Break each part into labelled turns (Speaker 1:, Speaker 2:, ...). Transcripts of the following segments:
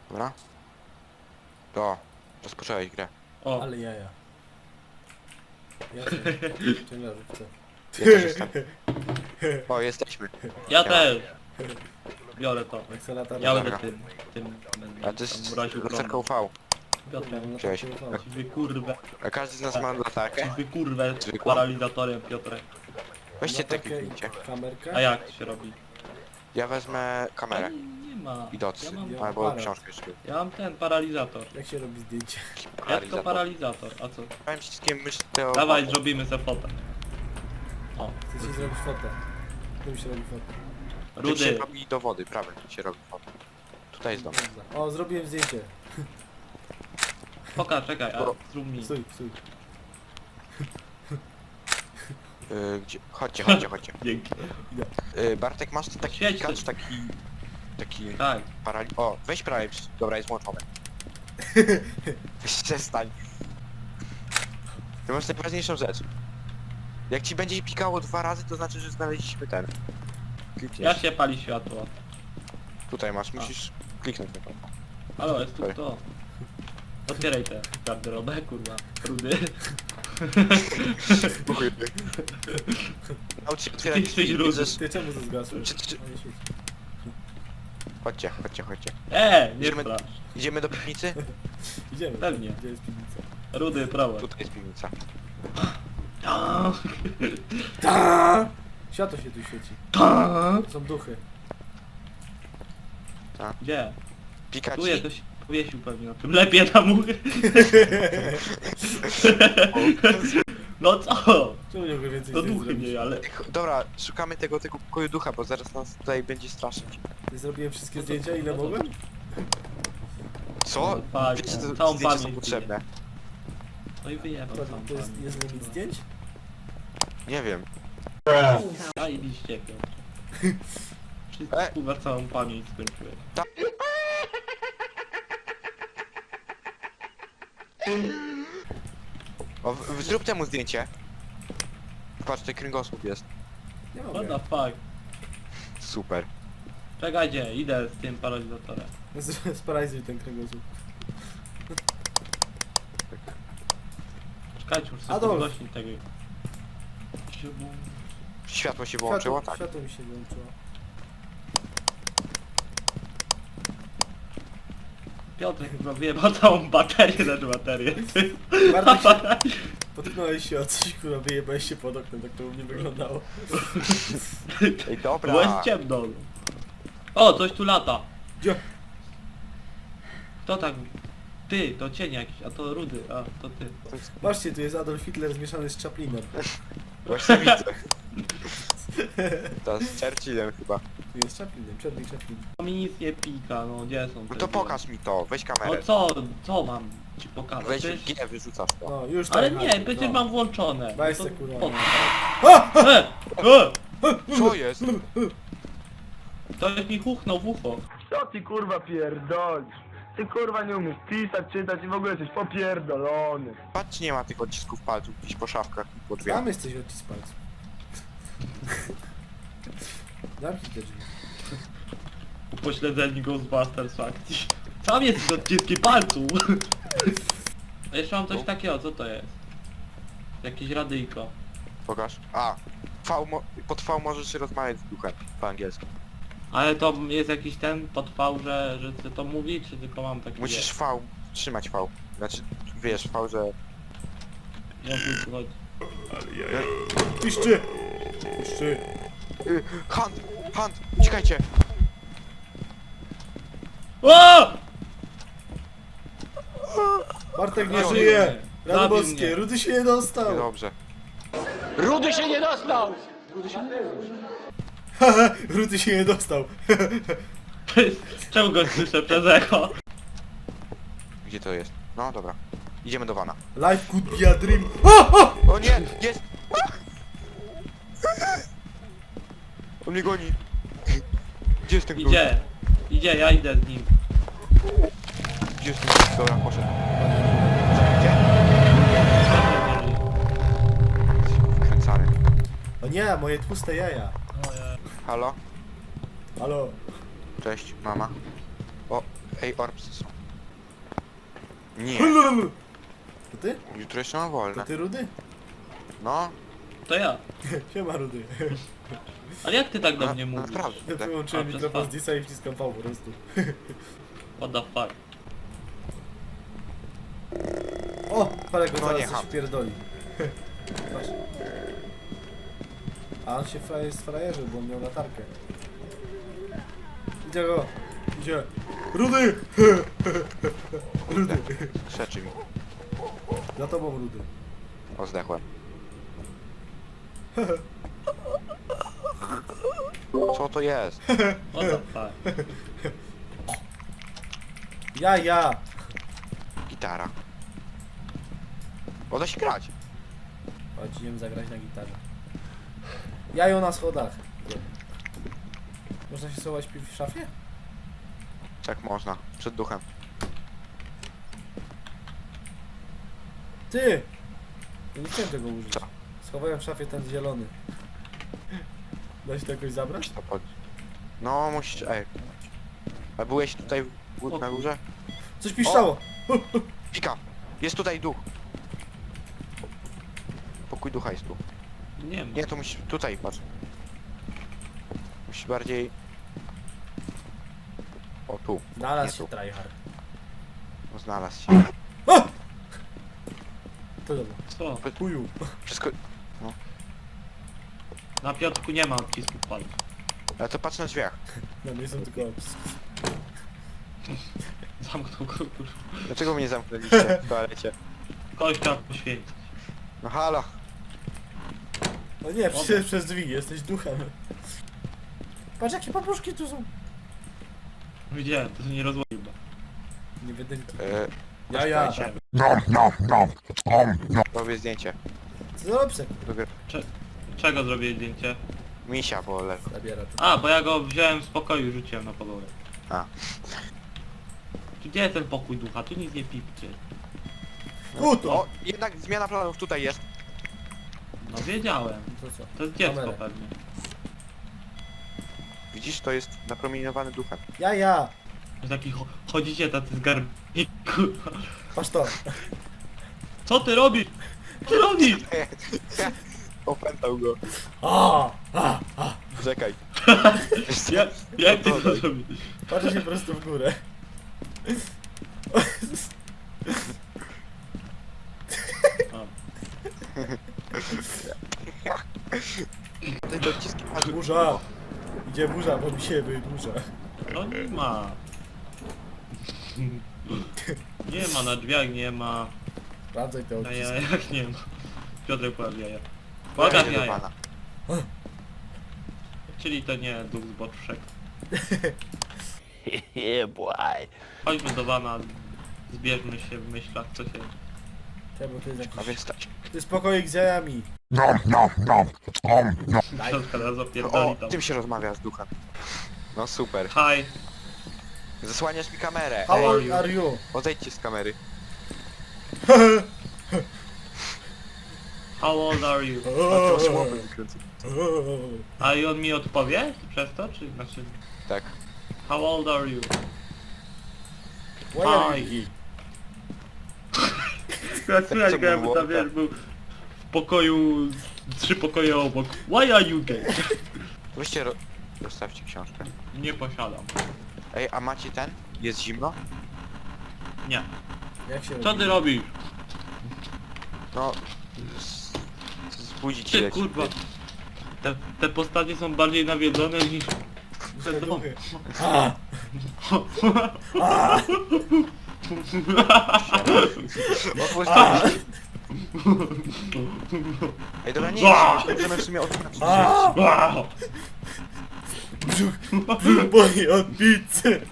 Speaker 1: Dobra. To. Rozpocząłeś grę.
Speaker 2: O,
Speaker 3: Ale jaja. Jasne. Ciężarówce.
Speaker 1: Ja też jestem. O, jesteśmy.
Speaker 2: ja też. Biorę to.
Speaker 3: Akcelerator.
Speaker 2: Ja
Speaker 1: Dobra.
Speaker 2: będę tym
Speaker 1: A to jest
Speaker 2: mroził
Speaker 1: lusterka UV.
Speaker 2: Piotrem.
Speaker 1: Cześć.
Speaker 2: Wy kurwę,
Speaker 1: A każdy z nas ma latarkę.
Speaker 2: wy kurwę
Speaker 1: Zwykła?
Speaker 2: paralizatorem, Piotrek.
Speaker 1: Weźcie te kliknijcie.
Speaker 3: Kamerkę.
Speaker 2: A jak to się robi?
Speaker 1: Ja wezmę kamerę.
Speaker 2: Nie ma.
Speaker 1: I docy.
Speaker 2: Ja mam,
Speaker 3: Ja-
Speaker 1: Albo
Speaker 3: aparat.
Speaker 1: książkę jeszcze.
Speaker 2: ja mam ten paralizator.
Speaker 3: Jak się robi zdjęcie?
Speaker 2: Jak to paralizator? A co?
Speaker 1: Powiem wszystkim myśl to...
Speaker 2: Dawaj, zrobimy se fotę. O,
Speaker 3: Chcę ci zrobić fotę. Tu się robi fotę.
Speaker 1: Tym się
Speaker 2: rudy.
Speaker 1: robi do wody, prawie się robi foto. Tutaj jest dom.
Speaker 3: O, zrobiłem zdjęcie.
Speaker 2: Poka, czekaj, a zrób mi.
Speaker 3: Stój, stój.
Speaker 1: Gdzie? Chodźcie.
Speaker 2: Dzięki.
Speaker 1: Bartek, masz tu taki
Speaker 2: Świeć
Speaker 1: pikacz,
Speaker 2: coś.
Speaker 1: taki
Speaker 2: Tak.
Speaker 1: O, weź prawie, dobra, jest włączone. Przestań. To masz najważniejszą rzecz. Jak ci będzie pikało 2 razy, to znaczy, że znaleźliśmy ten. Klikniesz.
Speaker 2: Jak się pali światło?
Speaker 1: Tutaj masz, musisz kliknąć na to.
Speaker 2: Halo, jest tu
Speaker 1: Sorry.
Speaker 2: kto? Otwieraj tę garderobę, kurwa. Rudy.
Speaker 1: Naucz się otwierać
Speaker 2: Jesteś
Speaker 1: drzwi,
Speaker 2: rudy.
Speaker 1: bierzesz-
Speaker 3: Ty czemu to zgasłeś?
Speaker 1: Czy-
Speaker 3: No, nie świeci.
Speaker 1: Chodźcie.
Speaker 2: Nie
Speaker 1: Idziemy-
Speaker 2: strasz.
Speaker 1: Idziemy do piwnicy?
Speaker 3: Idziemy.
Speaker 2: Pewnie.
Speaker 3: Gdzie jest piwnica?
Speaker 2: Rudy, prawo.
Speaker 1: Tutaj jest piwnica.
Speaker 2: Ta,
Speaker 3: Ta! Światło się tu świeci.
Speaker 2: ta.
Speaker 3: Są duchy.
Speaker 2: Gdzie?
Speaker 1: Pika
Speaker 2: Tu
Speaker 1: ci?
Speaker 2: to się powiesił pewnie na tym. Lepiej na muchy. No co?
Speaker 3: Czemu nie mogę więcej
Speaker 2: To
Speaker 3: zdjęć
Speaker 2: duchy
Speaker 3: zrobić?
Speaker 2: nie, ale...
Speaker 1: Dobra, szukamy tego pokoju ducha, bo zaraz nas tutaj będzie straszyć.
Speaker 3: Ja zrobiłem wszystkie zdjęcia, ile mogłem?
Speaker 1: Co?
Speaker 2: Tak,
Speaker 1: Wiecie, to
Speaker 2: całą
Speaker 1: zdjęcia są
Speaker 2: pamięć
Speaker 1: potrzebne.
Speaker 2: No i wyjebał
Speaker 3: To,
Speaker 2: sam
Speaker 3: to jest limit zdjęć?
Speaker 1: Nie wiem.
Speaker 2: Zajebiście, Piotr. Wszystko,
Speaker 1: E.
Speaker 2: kurwa, całą pamięć skończyłeś.
Speaker 1: O, zrób temu zdjęcie. Patrz, tutaj kręgosłup jest.
Speaker 3: Nie
Speaker 2: What
Speaker 3: mogę.
Speaker 2: the fuck?
Speaker 1: Super.
Speaker 2: Czekajcie, idę z tym paralizatorem.
Speaker 3: Sparalizuj ten kręgosłup.
Speaker 2: Czekajcie, muszę sobie
Speaker 3: Adolf.
Speaker 2: podgłośnić tego.
Speaker 1: Światło się wyłączyło?
Speaker 3: Światło,
Speaker 1: Tak.
Speaker 3: światło mi się wyłączyło.
Speaker 2: Piotr chyba wyjebał całą baterię, znaczy baterię.
Speaker 3: Bartek się... Potknąłeś się o coś, kurwa, wyjebałeś się pod oknem, tak to u mnie wyglądało.
Speaker 1: Ej, dobra.
Speaker 2: Było jest ciemno. O, coś tu lata.
Speaker 3: Gdzie?
Speaker 2: Kto tak? Ty, to cień jakiś, a to Rudy, a to ty.
Speaker 3: Patrzcie, tu jest Adolf Hitler zmieszany z Chaplinem.
Speaker 1: Właśnie widzę. To z Churchillem chyba.
Speaker 3: Tu jest Chaplinem, Charlie Chaplin.
Speaker 2: To mi nic nie pika, no gdzie są
Speaker 1: No
Speaker 2: te
Speaker 1: to
Speaker 2: dwie?
Speaker 1: pokaż mi to, weź
Speaker 2: No
Speaker 1: kamerę.
Speaker 2: co mam ci pokazać?
Speaker 1: Weź
Speaker 2: Przecież-
Speaker 1: G, wyrzucasz to.
Speaker 3: No, już
Speaker 2: Ale
Speaker 3: tak,
Speaker 2: nie,
Speaker 3: Adolf,
Speaker 2: przecież
Speaker 3: no.
Speaker 2: mam włączone.
Speaker 3: Weź
Speaker 2: No
Speaker 3: se,
Speaker 2: to
Speaker 3: kurwa.
Speaker 2: po co?
Speaker 1: Co jest?
Speaker 2: Ktoś mi huchnął w ucho.
Speaker 4: Co ty kurwa pierdolisz? Ty kurwa nie umiesz pisać, czytać i w ogóle jesteś popierdolony.
Speaker 1: Patrz, czy nie ma tych odcisków palców gdzieś po szafkach i po drzwiach.
Speaker 3: Tam jesteś odcisk palców. Zamknij te drzwi.
Speaker 2: Upośledzeni Ghostbusters w akcji. Tam jest odciski palców. A jeszcze mam coś takiego, co to jest? Jakieś radyjko.
Speaker 1: Pokaż. A, pod V możesz rozmawiać z duchem po angielsku.
Speaker 2: Ale to jest jakiś ten podfał, że chcę to mówić, czy tylko mam taki...
Speaker 1: Musisz V, trzymać V. Znaczy, wiesz, V, że...
Speaker 2: Ja tu chodzi.
Speaker 3: Piszczy! Piszczy!
Speaker 1: Hunt! Uciekajcie!
Speaker 2: O!
Speaker 3: Bartek nie
Speaker 1: Zabił
Speaker 3: żyje!
Speaker 2: mnie.
Speaker 3: Rady
Speaker 2: Zabił
Speaker 3: boskie,
Speaker 2: mnie.
Speaker 3: Rudy się nie dostał!
Speaker 1: Dobrze.
Speaker 4: Rudy się nie dostał!
Speaker 3: Rudy się nie dostał!
Speaker 2: Czemu go słyszę przez echo?
Speaker 1: Gdzie to jest? No dobra. Idziemy do wana.
Speaker 3: Life could be a dream! O!
Speaker 1: O nie! Jest! On mnie goni. Gdzie jest ten gość?
Speaker 2: Idzie, ja idę z nim.
Speaker 1: Gdzie jest ten gość? Dobra, poszedł. Gdzie? Wkręcany.
Speaker 3: O nie, moje tłuste jaja!
Speaker 1: Halo?
Speaker 3: Halo?
Speaker 1: Cześć, mama. O, ej, orbsy są. Nie,
Speaker 3: To ty?
Speaker 1: jutro jeszcze mam
Speaker 3: To
Speaker 1: wolne.
Speaker 3: ty Rudy?
Speaker 1: No,
Speaker 2: To ja.
Speaker 3: Siema Rudy.
Speaker 2: Ale jak ty tak do mnie mówisz?
Speaker 1: naprawdę.
Speaker 3: Ja
Speaker 1: tak.
Speaker 3: wyłączyłem
Speaker 2: A, przez
Speaker 3: mikrofon z
Speaker 2: fan.
Speaker 3: Disa i wciskam V po prostu.
Speaker 2: What the fuck?
Speaker 3: O! Parę go
Speaker 1: No
Speaker 3: zaraz
Speaker 1: nie,
Speaker 3: coś
Speaker 1: ham.
Speaker 3: pierdoli. Patrz. A on się jest frajerzył, bo on miał latarkę. Idzie go! Idzie! Rudy! Rudy!
Speaker 1: Krzeczy mi.
Speaker 3: Za tobą Rudy.
Speaker 1: O, zdechłem. Co to jest?
Speaker 2: What the fuck?
Speaker 3: Ja!
Speaker 1: Gitara. O, da się grać.
Speaker 3: Chodź, idziemy zagrać na gitarze. Jajo na schodach. Gdzie? Można się schować w szafie?
Speaker 1: Tak można. Przed duchem.
Speaker 3: Ty! Ja nie chciałem tego użyć.
Speaker 1: Co?
Speaker 3: Schowałem w szafie ten zielony. Da się to jakoś zabrać?
Speaker 1: To pod... No, musisz... Ej. A byłeś tutaj na górze?
Speaker 3: Coś piszczało!
Speaker 1: Pika! Jest tutaj duch. Pokój ducha jest tu.
Speaker 2: Nie ma.
Speaker 1: Nie, to musisz... Tutaj, patrz. Musisz bardziej... O, tu.
Speaker 3: Znalazł
Speaker 1: Nie
Speaker 3: się
Speaker 1: tu.
Speaker 3: tryhard.
Speaker 1: No, znalazł się.
Speaker 3: O! To dobra.
Speaker 2: Co?
Speaker 3: Chuju.
Speaker 1: Wszystko...
Speaker 2: Na Piotrku nie ma odcisków palców.
Speaker 1: Ale to patrz na drzwiach.
Speaker 3: No nie są tylko odciski.
Speaker 2: Zamknął go, kurwa.
Speaker 1: Dlaczego mnie zamknęliście w toalecie?
Speaker 2: Kogoś trzeba poświęcić.
Speaker 1: No halo.
Speaker 3: No nie, przecież przez drzwi, jesteś duchem. Patrz jakie papuszki tu są.
Speaker 2: Widziałem, to się nie rozłożył.
Speaker 3: Nie wydymki.
Speaker 1: Ja.
Speaker 2: Tak.
Speaker 1: Robię zdjęcie.
Speaker 3: Co za obsek?
Speaker 2: Czego zrobię zdjęcie?
Speaker 1: Misia, bo lewo.
Speaker 3: Zabiera to.
Speaker 2: A, bo ja go wziąłem z pokoju i rzuciłem na podłogę.
Speaker 1: A.
Speaker 2: Gdzie jest ten pokój ducha? Tu nic nie pipcie.
Speaker 3: Tu to!
Speaker 1: O, jednak zmiana planów tutaj jest.
Speaker 2: No wiedziałem.
Speaker 3: To co?
Speaker 2: To jest dziecko
Speaker 3: Kamerę.
Speaker 2: pewnie.
Speaker 1: Widzisz, to jest napromieniowany duchem.
Speaker 3: Ja!
Speaker 2: Że taki chodzicie tacy z garbi. Kurwa.
Speaker 3: Patrz to!
Speaker 2: Co ty robisz? Co ty robisz?
Speaker 1: Opętał go.
Speaker 3: A!
Speaker 1: Czekaj.
Speaker 2: Jak ty to zrobisz?
Speaker 3: Patrzę się prosto w górę.
Speaker 2: A.
Speaker 1: Te odciski palców.
Speaker 3: Burza! Idzie burza, bo mi się wydłuża.
Speaker 2: No nie ma. Nie ma, na drzwiach nie ma.
Speaker 3: Sprawdzaj te
Speaker 2: Na
Speaker 3: odciski.
Speaker 2: jajach nie ma. Piotrek pokaż jaja.
Speaker 1: Ja
Speaker 2: Pokaż
Speaker 1: idę do
Speaker 2: jaja.
Speaker 1: pana.
Speaker 2: Czyli to nie duch z boczek.
Speaker 5: Yeah, boy.
Speaker 2: Chodźmy do wana. Zbierzmy się w myślach, co się...
Speaker 3: Czemu to jest
Speaker 1: A
Speaker 3: jakiś...
Speaker 1: więc stać.
Speaker 3: To jest pokoik z jajami.
Speaker 2: Piotrka teraz
Speaker 1: O,
Speaker 2: opierdoli tam.
Speaker 1: tym się rozmawia z duchem. No super.
Speaker 2: Hi.
Speaker 1: Zasłaniasz mi kamerę.
Speaker 3: How
Speaker 1: Ej,
Speaker 3: old are you?
Speaker 1: odejdźcie z kamery.
Speaker 2: How old are you?
Speaker 1: A to słowo wykręcę.
Speaker 2: A i on mi odpowie przez to, czy znaczy...
Speaker 1: Tak.
Speaker 2: How old are you?
Speaker 3: Why are you
Speaker 2: Hi.
Speaker 3: gay?
Speaker 2: Słychać
Speaker 1: co
Speaker 2: go, jakby
Speaker 1: było?
Speaker 2: tam wiesz, był w pokoju... 3 pokoje obok. Why are you gay?
Speaker 1: Weźcie, dostawcie książkę.
Speaker 2: Nie posiadam.
Speaker 1: Ej, a macie ten? Jest zimno?
Speaker 2: Nie.
Speaker 3: Jak się
Speaker 2: Co
Speaker 3: robi?
Speaker 2: ty robisz?
Speaker 1: No... Zbudzić
Speaker 2: Ty
Speaker 1: się.
Speaker 2: kurwa. Te postacie są bardziej nawiedzone niż...
Speaker 3: Te
Speaker 2: Te
Speaker 3: duchy. A!
Speaker 1: Otwórz Ej, dobra, nie możemy w sumie otworzyć.
Speaker 3: A! Brzuch boli od pizzy!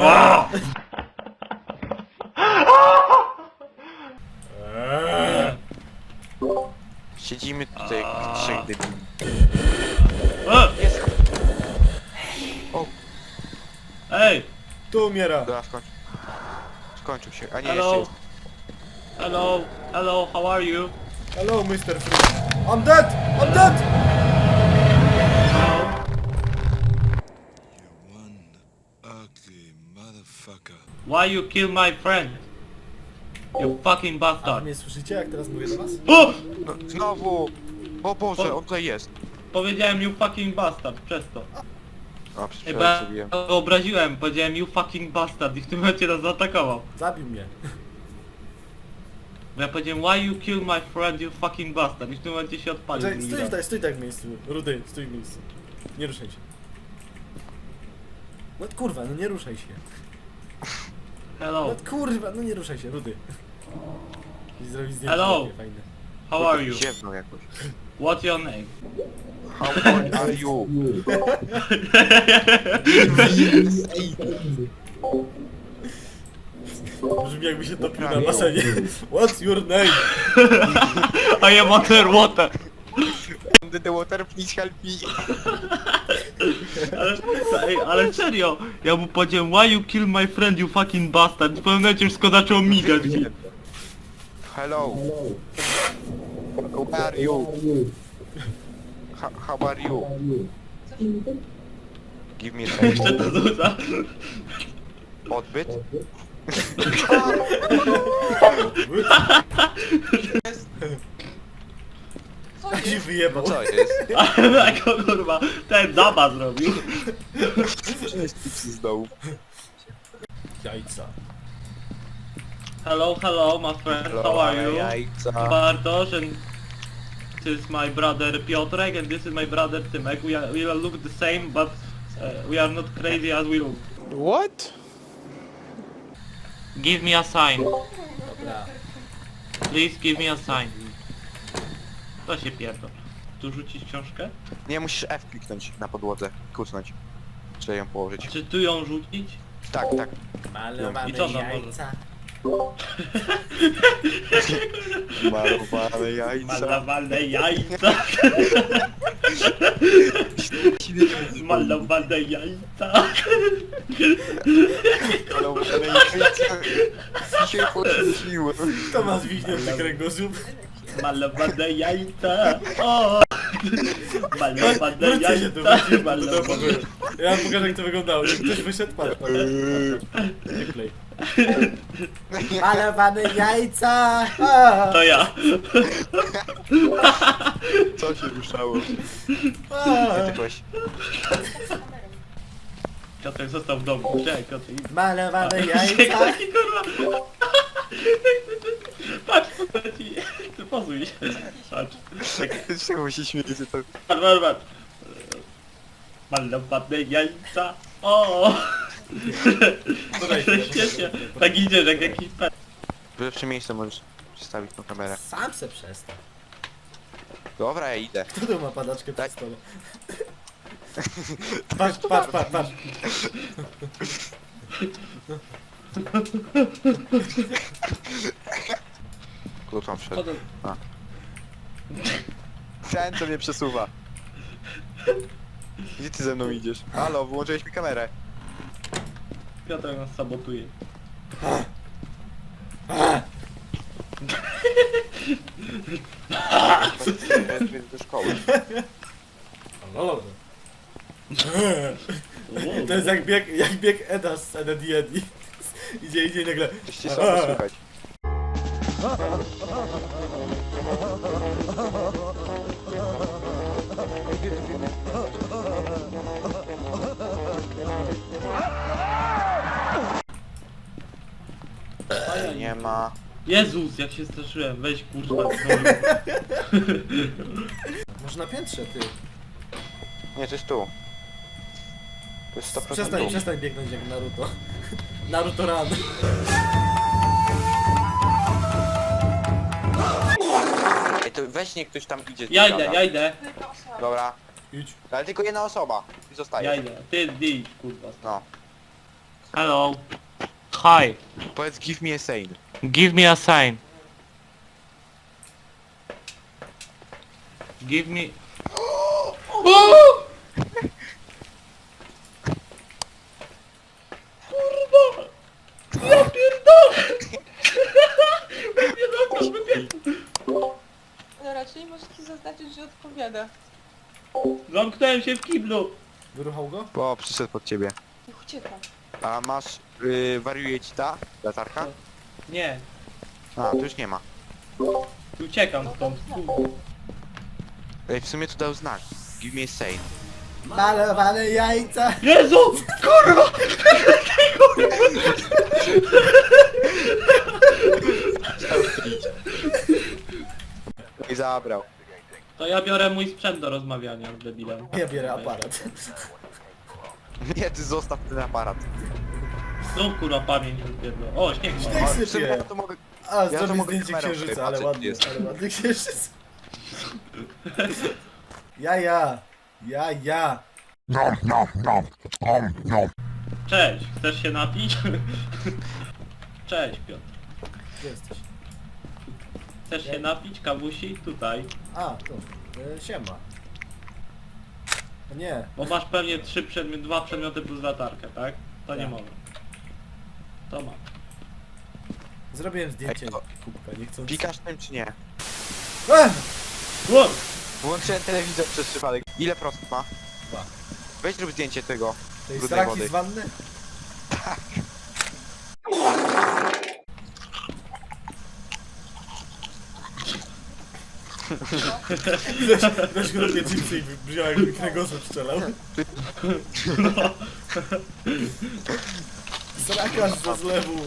Speaker 1: Siedzimy tutaj jak trzech dybli. Jest. O,
Speaker 2: Ej!
Speaker 3: Tu umiera!
Speaker 1: dobra, skończył. Skończył się, a nie, jeszcze
Speaker 2: Hello!
Speaker 1: jest.
Speaker 2: Hello! Hello, how are you?
Speaker 3: Hello, Mr. Freeze! I'm dead! I'm dead!
Speaker 6: One ugly
Speaker 5: Motherfucker.
Speaker 2: Why you kill my friend? You fucking
Speaker 3: A
Speaker 2: bastard.
Speaker 3: mnie słyszycie, jak teraz mówię do was?
Speaker 2: O!
Speaker 1: No, znowu! O Boże, on tutaj jest.
Speaker 2: Powiedziałem you fucking bastard, przez to.
Speaker 1: A, przez
Speaker 2: Ej, bo
Speaker 1: przypadek
Speaker 2: ja
Speaker 1: zrobiłem.
Speaker 2: go obraziłem, powiedziałem you fucking bastard i w tym momencie nas zaatakował.
Speaker 3: Zabił mnie.
Speaker 2: Bo ja powiedziałem why you kill my friend, you fucking bastard i w tym momencie się odpalił.
Speaker 3: Czekaj,
Speaker 2: drugi
Speaker 3: stój
Speaker 2: raz.
Speaker 3: stój tak w miejscu. Rudy, stój w miejscu. Nie ruszaj się. No kurwa, no nie ruszaj się.
Speaker 2: Hello,
Speaker 3: No kurwa, no nie ruszaj się, Rudy. I zrobić zdjęcie
Speaker 2: Hello.
Speaker 3: takie fajne.
Speaker 2: how are you?
Speaker 1: Ziewnął jakoś.
Speaker 2: What's your name?
Speaker 1: How old are you?
Speaker 3: Brzmi jakby się topił na
Speaker 1: Prawie.
Speaker 3: basenie. What's your name?
Speaker 2: I am underwater.
Speaker 1: Under the water, please help me.
Speaker 2: Ale serio, ja mu powiedziałem why you kill my friend, you fucking bastard i w pewnym momencie wszystko zaczęło migać.
Speaker 1: Hello. How are you? How are you? Give me a
Speaker 2: Jeszcze to rzuca.
Speaker 1: odbyt.
Speaker 3: Tak się wyjebał.
Speaker 1: Co jest?
Speaker 2: Ale jako kurwa, ten Daba zrobił.
Speaker 1: Z dołu.
Speaker 3: Jajca.
Speaker 2: Hello, hello, my friend, how are you?
Speaker 1: Jajca.
Speaker 2: Bartosz and this is my brother Piotrek and this is my brother Tymek. We all look the same but we are not crazy as we look.
Speaker 5: What?
Speaker 2: Give me a sign.
Speaker 3: Dobra.
Speaker 2: Please give me a sign. To się pierdol. Tu rzucić książkę?
Speaker 1: Nie, musisz F kliknąć na podłodze. Kucnąć. Czy ją położyć.
Speaker 2: Czy tu ją rzucić?
Speaker 1: Tak, tak.
Speaker 3: Malowane
Speaker 2: I co tam
Speaker 3: jajca.
Speaker 1: Malowane jajca.
Speaker 2: Malowane jajca. Malowane jajca.
Speaker 1: Malowane jajca. Dzisiaj poświęciłem.
Speaker 3: To ma zwichnięty kręgosłup.
Speaker 2: Malowane jajca. O! Malowane
Speaker 3: Wróćcie się tu,
Speaker 2: jajca.
Speaker 3: wróćcie do
Speaker 2: Malowane...
Speaker 3: pokoju. Ja wam pokażę, jak to wyglądało. Jak ktoś wyszedł, patrz, patrz. Nie klej. Malowane jajca! A!
Speaker 2: To ja.
Speaker 1: Co się ruszało?
Speaker 3: A!
Speaker 1: Ty byłeś.
Speaker 2: Piotrek został w domu. Czekaj, Piotr.
Speaker 3: Malowane jajca!
Speaker 2: Taki kurwa. Patrz, postaci. Pozuj się. Patrz. Tak,
Speaker 1: Czemu się śmiejecie to?
Speaker 2: patrz, patrz, patrz. Malowane jajca. O!
Speaker 3: Dodaj
Speaker 2: Świetnie. Tak idziesz jak jakiś pet.
Speaker 1: W lepszym miejscu możesz przestawić tą kamerę.
Speaker 3: Sam se przestań.
Speaker 1: Dobra, ja idę.
Speaker 3: Kto tu ma padaczkę przy
Speaker 1: Tak.
Speaker 3: stole? Patrz, patrz, patrz, patrz.
Speaker 1: Klucz mam wszedł.
Speaker 2: Potem...
Speaker 1: Ten, co mnie przesuwa. Gdzie ty ze mną idziesz? Halo, wyłączyłeś mi kamerę.
Speaker 2: Piotr nas sabotuje.
Speaker 1: Do szkoły.
Speaker 3: Lolo. To jest jak bieg Eda z sceny D&D. Idzie i nagle...
Speaker 1: Coś cię słabo słychać. Nie ma.
Speaker 2: Jezus, jak się straszyłem. Weź kurwa.
Speaker 3: Może na piętrze, ty.
Speaker 1: Nie, to jest tu. To jest 100%
Speaker 3: Przestań,
Speaker 1: tu.
Speaker 3: przestań biegnąć jak Naruto. Naruto Run.
Speaker 1: Ej, to weź niech ktoś tam idzie.
Speaker 2: Ja
Speaker 1: gada.
Speaker 2: idę, ja idę.
Speaker 1: Dobra.
Speaker 3: Idź.
Speaker 1: Ale tylko jedna osoba. I zostaje.
Speaker 2: Ja idę. Ty idź, kurwa.
Speaker 1: No.
Speaker 2: Hello. Hi.
Speaker 1: Powiedz give me a sign.
Speaker 2: Give me a sign. Give me... Kurwa! Ja pierdolę!
Speaker 6: Dobra, czyli możesz ci zaznaczyć, że odpowiada.
Speaker 2: Zamknąłem się w kiblu.
Speaker 3: Wyruchał go?
Speaker 1: Bo przyszedł pod ciebie.
Speaker 6: Niech ucieka.
Speaker 1: A masz, wariuje ci ta latarka?
Speaker 2: Nie,
Speaker 1: A, tu już nie ma.
Speaker 2: uciekam stąd, kurwa.
Speaker 1: Ej, w sumie tu dał znak. Give me a sign.
Speaker 3: Malowane jajca!
Speaker 2: Jezu! Kurwa!
Speaker 1: I zabrał.
Speaker 2: To ja biorę mój sprzęt do rozmawiania z debilem.
Speaker 3: Ja biorę aparat.
Speaker 1: Nie, ty zostaw ten aparat.
Speaker 2: Zrób kurwa pamięć rozbiedło. O, śnieg ma.
Speaker 3: Śnieg
Speaker 1: A, w sumie
Speaker 3: sypie.
Speaker 1: ja to mogę...
Speaker 3: A,
Speaker 1: to
Speaker 3: zrobię
Speaker 1: mogę
Speaker 3: zdjęcie
Speaker 1: kamerą
Speaker 3: księżyca,
Speaker 1: tutaj
Speaker 3: ale
Speaker 1: patrzeć,
Speaker 3: ładny,
Speaker 1: jest.
Speaker 3: ale ładny księżyc. Jaja! Jaja!
Speaker 2: Cześć, chcesz się napić? Cześć Piotr.
Speaker 3: Gdzie jesteś?
Speaker 2: Chcesz się napić, kawusi? Tutaj.
Speaker 3: A, tu. Siema. O nie.
Speaker 2: Bo masz pewnie dwa przedmioty plus latarkę, tak? To nie
Speaker 3: Tak.
Speaker 2: mogę. To ma.
Speaker 3: Zrobiłem zdjęcie
Speaker 1: Ej, to-
Speaker 3: kubka, nie chcąc.
Speaker 1: Pikasz tym czy nie?
Speaker 2: Wow!
Speaker 1: Włączyłem telewizor przez przypadek. Ile procent ma?
Speaker 3: 2.
Speaker 1: Weź zrób zdjęcie tego.
Speaker 3: To jest
Speaker 1: brudnej
Speaker 3: raki
Speaker 1: wody.
Speaker 3: z wanny? Weź go robię chipsy i wziąłem jakby kręgosłup strzelał. Zrakarz ze zlewu.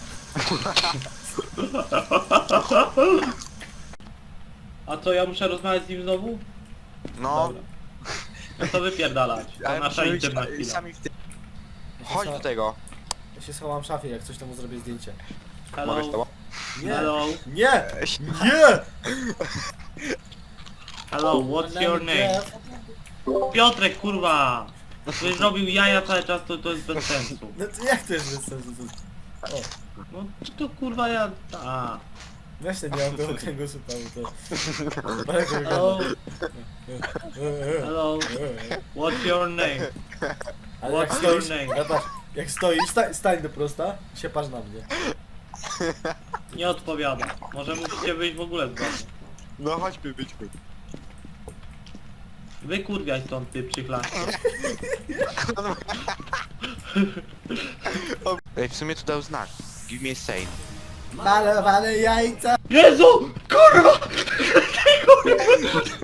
Speaker 2: A co, ja muszę rozmawiać z nim znowu?
Speaker 1: No,
Speaker 2: Dobra. No to wypierdalać. To
Speaker 1: ale
Speaker 2: nasza
Speaker 1: musimy być
Speaker 2: intymna chwila.
Speaker 1: sami w tym. Chodź do tego.
Speaker 3: Ja się schowam w szafie, jak coś temu zrobię zdjęcie.
Speaker 2: Hello?
Speaker 1: Mogę z tobą?
Speaker 3: Nie!
Speaker 2: Hello?
Speaker 3: Nie! Nie!
Speaker 2: Hello, what's your name? Piotrek, kurwa! Ktoś zrobił jaja cały czas, to jest bez sensu.
Speaker 3: No to jak to jest bez sensu? O,
Speaker 2: No to kurwa ja... A.
Speaker 3: weź ten, nie mam tego kręgosłupa, bo to... Bardzo
Speaker 2: Hello?
Speaker 3: wygląda.
Speaker 2: Hello? What's your name?
Speaker 3: Ale jak
Speaker 2: What's
Speaker 3: stoisz,
Speaker 2: your name?
Speaker 3: ja patrz, jak stoisz, stań do prosta i się patrz na mnie.
Speaker 2: Nie odpowiada. Może musicie wyjść w ogóle z domu.
Speaker 1: No chodźmy, wyjdźmy.
Speaker 2: Wykurwiaj stąd ty przychlaszcie.
Speaker 1: Ej, w sumie tu dał znak. Give me a sign.
Speaker 3: Malowane jajca!
Speaker 2: Jezu! Kurwa!